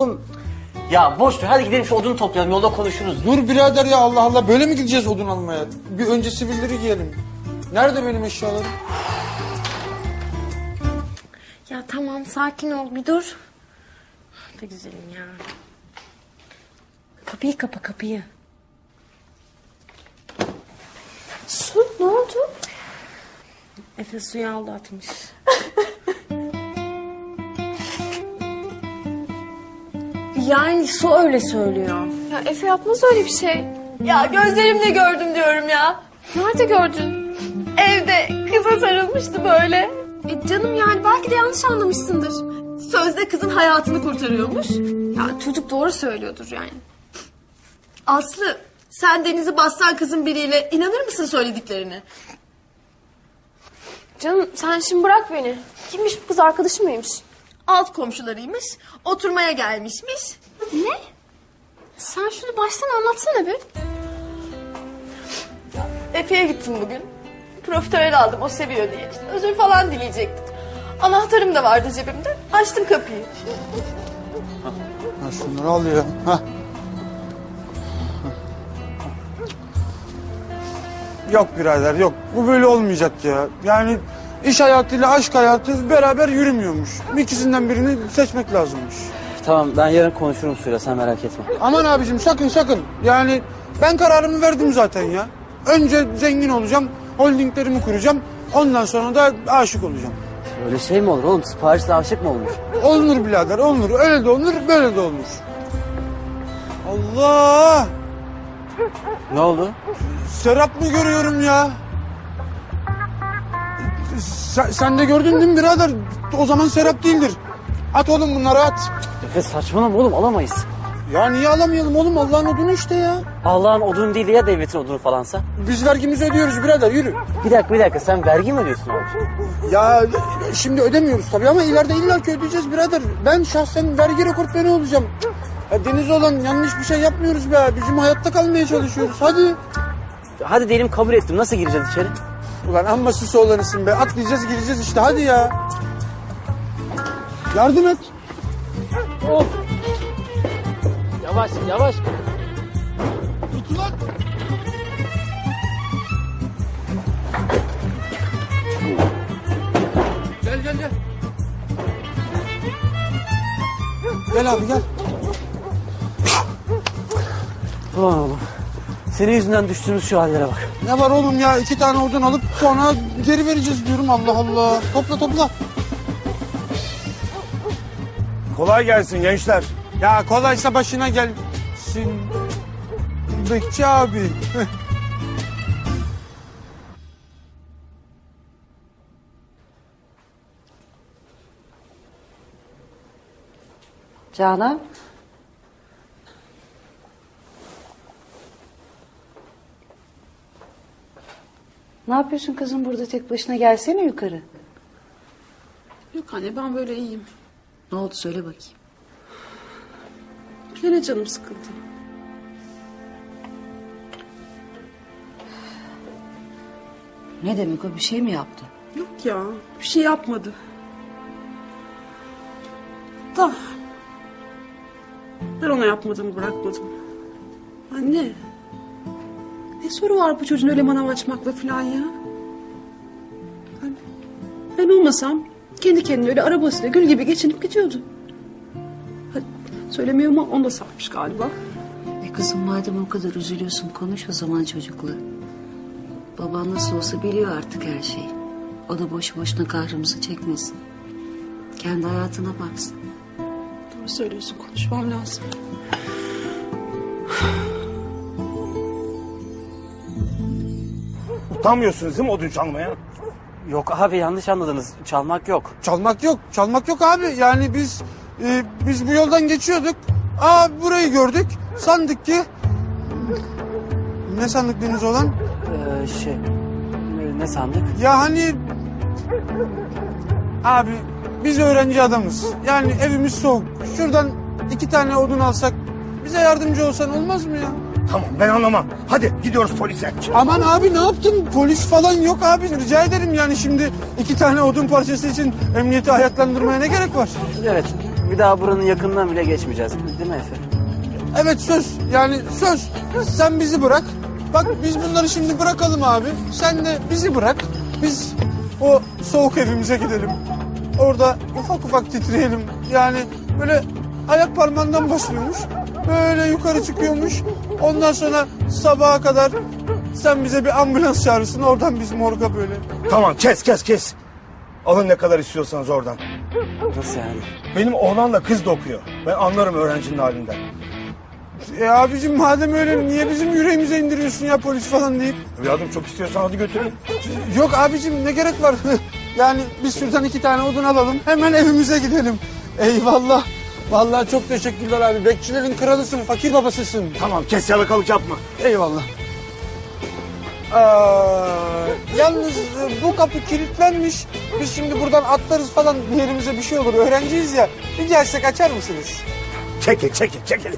Ya boş ver, hadi gidelim şu odunu toplayalım, yolda konuşuruz. Dur birader ya, Allah Allah, böyle mi gideceğiz odun almaya? Bir önce sivilleri giyelim. Nerede benim eşyalarım? Ya tamam, sakin ol, bir dur. Ne güzelim ya. Kapıyı kapa, kapıyı. Su, ne oldu? Efe suyu aldı, atmış. Yani su öyle söylüyor. Ya Efe yapmaz öyle bir şey. Ya gözlerimle gördüm diyorum ya. Nerede gördün? Evde kıza sarılmıştı böyle. Canım yani belki de yanlış anlamışsındır. Sözde kızın hayatını kurtarıyormuş. Ya çocuk doğru söylüyordur yani. Aslı, sen Deniz'i bassan kızın biriyle inanır mısın söylediklerine? Canım sen şimdi bırak beni. Kimmiş bu kız, arkadaşı mıymış? Alt komşularıymış, oturmaya gelmişmiş. Ne? Sen şunu baştan anlatsana bir. Efe'ye gittim bugün. Profiterol aldım, o seviyor diye. İşte özür falan dileyecektim. Anahtarım da vardı cebimde. Açtım kapıyı. Ha, şunları al ya. Hah. Yok birader, yok. Bu böyle olmayacak ya. Yani iş hayatıyla aşk hayatı beraber yürümüyormuş. İkisinden birini seçmek lazımmış. Tamam, ben yarın konuşurum Suyla, sen merak etme. Aman abicim, sakın sakın. Yani ben kararımı verdim zaten ya. Önce zengin olacağım, holdinglerimi kuracağım. Ondan sonra da aşık olacağım. Öyle şey mi olur oğlum, siparişle aşık mı olmuş? Olunur birader, olunur. Öyle de olunur, böyle de olunur. Allah! Ne oldu? Serap mı görüyorum ya? Sen de gördün değil mi birader? O zaman Serap değildir. At oğlum bunları, at. Efe saçmalama oğlum, alamayız. Ya niye alamayalım oğlum? Allah'ın odunu işte ya. Allah'ın odunu değil ya devletin odunu falansa. Biz vergimizi ödüyoruz birader, yürü. Bir dakika, sen vergi mi ödüyorsun abi? Ya şimdi ödemiyoruz tabii ama ileride illaki ödeyeceğiz birader. Ben şahsen vergi rekortmeni olacağım. Ya Deniz olan yanlış bir şey yapmıyoruz be. Bizim hayatta kalmaya çalışıyoruz. Hadi. Hadi diyelim kabul ettim, nasıl gireceğiz içeri? Ulan amma süs oğlanısın be. Atlayacağız, gireceğiz işte, hadi ya. Yardım et. Oh. Yavaş. Tut ulan. Gel. Gel abi, gel. Ulan oğlum, senin yüzünden düştüğümüz şu hallere bak. Ne var oğlum ya? 2 tane odun alıp sonra geri vereceğiz diyorum. Allah Allah. Topla. Kolay gelsin gençler. Ya kolaysa başına gelsin. Bekçi abi. Canan. Ne yapıyorsun kızım burada tek başına, gelsene yukarı. Yok anne, ben böyle iyiyim. Ne oldu söyle bakayım. Gene canım sıkıldı. Ne demek o, bir şey mi yaptı? Yok ya, bir şey yapmadı. Da ben ona yapmadığımı bırakmadım. Anne, ne soru var bu çocuğun öyle manav açmakla falan ya? Ben olmasam kendi kendine öyle arabasıyla gül gibi geçinip gidiyordu. Ha, söylemiyor ama onu da satmış galiba. Kızım madem o kadar üzülüyorsun, konuş o zaman çocukla. Baban nasıl olsa biliyor artık her şeyi. O da boşu boşuna kahrımızı çekmesin. Kendi hayatına baksın. Doğru söylüyorsun, konuşmam lazım. Utanmıyorsunuz değil mi odun çalmaya? Yok abi, yanlış anladınız, çalmak yok. Çalmak yok abi. Yani biz bu yoldan geçiyorduk. Burayı gördük. Sandık ki... Ne sandık Deniz olan? Ne sandık? Ya hani... Abi biz öğrenci adamız. Yani evimiz soğuk. Şuradan 2 tane odun alsak bize yardımcı olsan olmaz mı ya? Tamam, ben anlamam. Hadi gidiyoruz polise. Aman abi, ne yaptın? Polis falan yok abi. Rica ederim yani, şimdi 2 tane odun parçası için emniyeti ayaklandırmaya ne gerek var? Evet, Bir daha buranın yakından bile geçmeyeceğiz. Değil mi Efe? Evet söz. Yani söz. Sen bizi bırak. Bak biz bunları şimdi bırakalım abi. Sen de bizi bırak. Biz o soğuk evimize gidelim. Orada ufak ufak titreyelim. Yani böyle ayak parmağından başlıyormuş. Böyle yukarı çıkıyormuş. Ondan sonra sabaha kadar sen bize bir ambulans çağırırsın. Oradan biz morga böyle. Tamam kes. Alın ne kadar istiyorsanız oradan. Nasıl yani? Benim oğlanla kız da okuyor. Ben anlarım öğrencinin halinden. Abicim madem öyle niye bizim yüreğimize indiriyorsun ya polis falan deyip. Evladım çok istiyorsan hadi götürün. Yok abicim ne gerek var? Yani biz şuradan 2 tane odun alalım. Hemen evimize gidelim. Eyvallah. Vallahi çok teşekkürler abi. Bekçilerin kralısın, fakir babasısın. Tamam kes yalakalık yapma. Eyvallah. Yalnız bu kapı kilitlenmiş. Biz şimdi buradan atlarız falan bir yerimize bir şey olur. Öğrenciyiz ya. Bir gelsek açar mısınız? Çekil.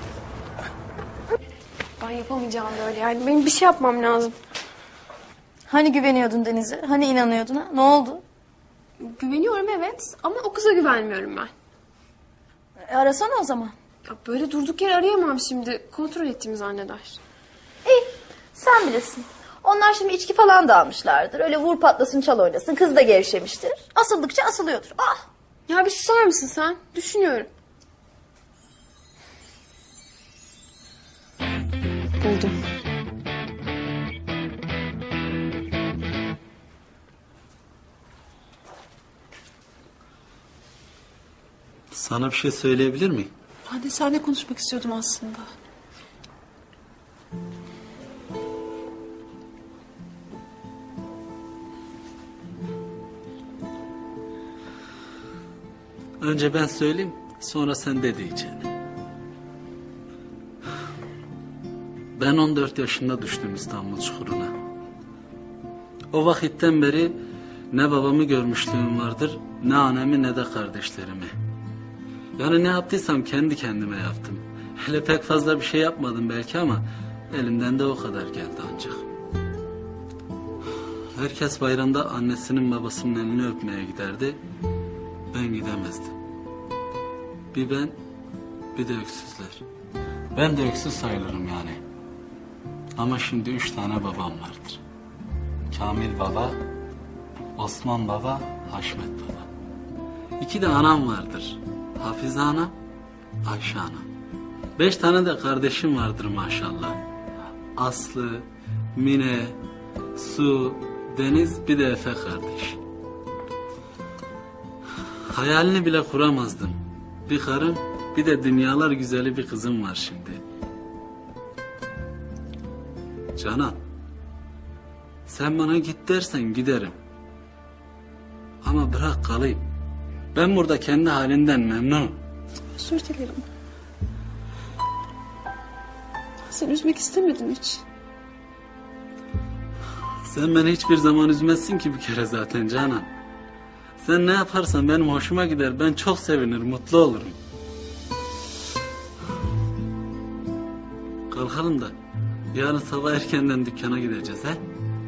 Ben yapamayacağım böyle yani. Benim bir şey yapmam lazım. Hani güveniyordun Deniz'e? Hani inanıyordun ha? Ne oldu? Güveniyorum evet ama o kıza güvenmiyorum ben. Arasana o zaman. Ya böyle durduk yere arayamam şimdi. Kontrol ettiğimi zanneder. İyi, sen bilirsin. Onlar şimdi içki falan da almışlardır. Öyle vur patlasın çal oynasın. Kız da gevşemiştir. Asıldıkça asılıyordur. Ah! Ya bir susar mısın sen? Düşünüyorum. Buldum. Sana bir şey söyleyebilir miyim? Ben de seninle konuşmak istiyordum aslında. Önce ben söyleyeyim, sonra sen de diyeceksin. Ben 14 yaşında düştüm İstanbul çukuruna. O vakitten beri ne babamı görmüşlüğüm vardır, ne annemi ne de kardeşlerimi. Yani ne yaptıysam kendi kendime yaptım. Hele pek fazla bir şey yapmadım belki ama elimden de o kadar geldi ancak. Herkes bayramda annesinin babasının elini öpmeye giderdi. Ben gidemezdim. Bir ben, bir de öksüzler. Ben de öksüz sayılırım yani. Ama şimdi 3 tane babam vardır. Kamil baba, Osman baba, Haşmet baba. 2 de anam vardır. Hafize anam, Ayşe anam. 5 tane de kardeşim vardır maşallah. Aslı, Mine, Su, Deniz, bir de Efe kardeş. Hayalini bile kuramazdım. Bir karım, bir de dünyalar güzeli bir kızım var şimdi. Canan, sen bana git dersen giderim. Ama bırak kalayım. Ben burada kendi halimden memnunum. Özür dilerim. Seni üzmek istemedim hiç. Sen beni hiçbir zaman üzmezsin ki bir kere zaten Canan. Sen ne yaparsan benim hoşuma gider. Ben çok sevinir, mutlu olurum. Kalkalım da yarın sabah erkenden dükkana gideceğiz he?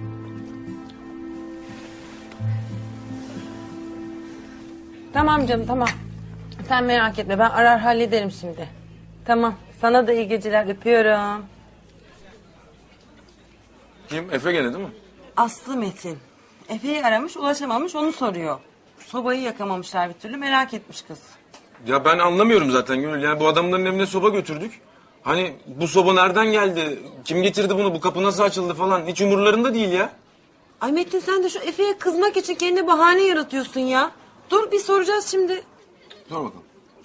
Tamam canım tamam. Sen merak etme ben arar hallederim şimdi. Tamam sana da iyi geceler öpüyorum. Kim? Efe gene değil mi? Aslı Metin. Efe'yi aramış ulaşamamış onu soruyor. Sobayı yakamamışlar bir türlü merak etmiş kız. Ya ben anlamıyorum zaten Gönül. Yani bu adamların evine soba götürdük. Hani bu soba nereden geldi? Kim getirdi bunu? Bu kapı nasıl açıldı falan? Hiç umurlarında değil ya. Ay Metin sen de şu Efe'ye kızmak için kendine bahane yaratıyorsun ya. Dur bir soracağız şimdi. Dur bakalım.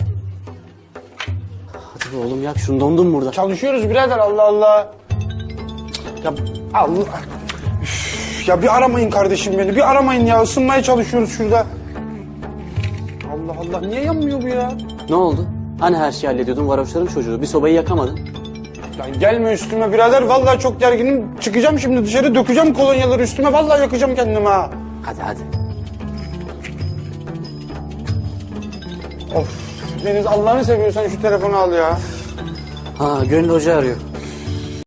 Hadi be oğlum yak şunu, dondum burada. Çalışıyoruz birader Allah Allah. Ya Allah. Üf, ya bir aramayın kardeşim beni. Bir aramayın ya. Isınmaya çalışıyoruz şurada. Allah Allah. Niye yanmıyor bu ya? Ne oldu? Hani her şeyi hallediyordun, varoşların çocuğu. Bir sobayı yakamadın. Ya gelme üstüme birader. Vallahi çok gerginim. Çıkacağım şimdi dışarı. Dökeceğim kolonyaları üstüme. Vallahi yakacağım kendimi ha. Hadi. Of. Deniz Allah'ını seviyorsan şu telefonu al ya. Ha, Gönül Hoca arıyor.